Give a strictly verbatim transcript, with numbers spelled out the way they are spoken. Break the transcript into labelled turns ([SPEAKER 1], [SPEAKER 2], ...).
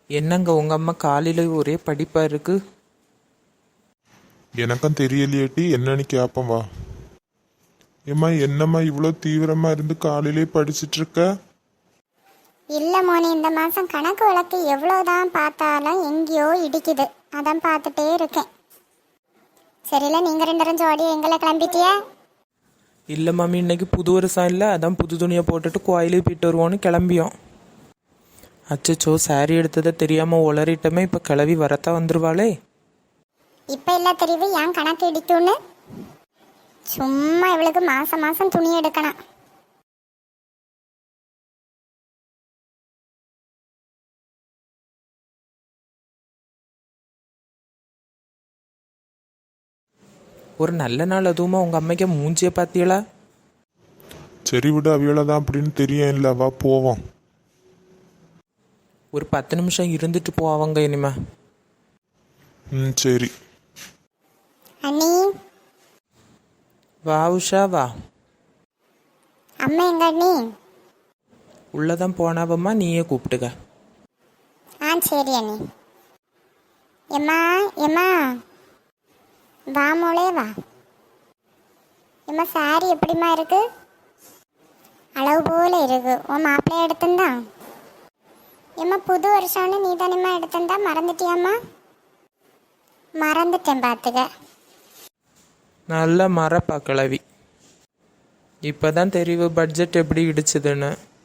[SPEAKER 1] என்னங்க உங்க அம்மா காலையில ஒரே படிப்பா இருக்கு.
[SPEAKER 2] எனக்கும் தெரியலையேட்டி, என்னன்னு கேப்பம் வா. ஏம்மா என்னம்மா இவ்வளோ தீவிரமா இருந்து காலையிலே படிச்சிட்டு இருக்க?
[SPEAKER 3] இல்ல மோனி, இந்த மாசம் கணக்கு வழக்கு எவ்வளவுதான் பார்த்தாலும் எங்கேயோ இடிக்குது. அதான் பார்த்துட்டே இருக்கேன். சரியில்ல, நீங்க ரெண்டு பேரும் ஜோடியா எங்களை கிளம்பிட்டியா?
[SPEAKER 1] இல்ல மாமி, இன்னைக்கு புது வருஷம் இல்லை, அதான் புது துணியை போட்டுட்டு கோயிலுக்கு போயிட்டு வருவோன்னு கிளம்பியோம். அச்சச்சோ, சாரி எடுத்ததை தெரியாம உளறிட்டமே. இப்ப கிளவி வரத்தா வந்துருவாளே.
[SPEAKER 3] இப்ப இல்ல தெரியுது ஏன் கணக்கு இடிக்கும்னு. சும்மா இவளுக்கு மாசம் மாசம் துணி எடுக்கணும்.
[SPEAKER 1] ஒரு நல்ல நாள் அதுவுமா உங்க அம்மைக்கு மூஞ்சிய பாத்தியலா?
[SPEAKER 2] சரி விடு, அவியோல தான் அப்படின்னு தெரியும். இல்லை வா போவோம்.
[SPEAKER 1] ஒரு பத்து நிமிஷம் இருந்துட்டு போவாங்க இனிமே.
[SPEAKER 2] ம் சரி.
[SPEAKER 3] அண்ணி,
[SPEAKER 1] வா உஷா வா.
[SPEAKER 3] அம்மா எங்க அண்ணி?
[SPEAKER 1] உள்ளதான் போனாவம்மா, நீயே கூப்பிட்டுக்க.
[SPEAKER 3] ஆ சரி அண்ணி. எம்மா எம்மா வா மோளே வா. எம்மா சாரி எப்படிம்மா இருக்கு? அளவு போல இருக்கு. உன் மாப்பிள்ளைய எடுத்திருந்தா? எம்மா புது வருஷம்னு நீ தானேம்மா எடுத்திருந்தா, மறந்துட்டியாம்மா? மறந்துட்டேன் பார்த்துக்க.
[SPEAKER 1] நல்ல மரப்பா கிளவி. இப்பதான் தெரிவு பட்ஜெட் எப்படி இடிச்சுதுன்னு.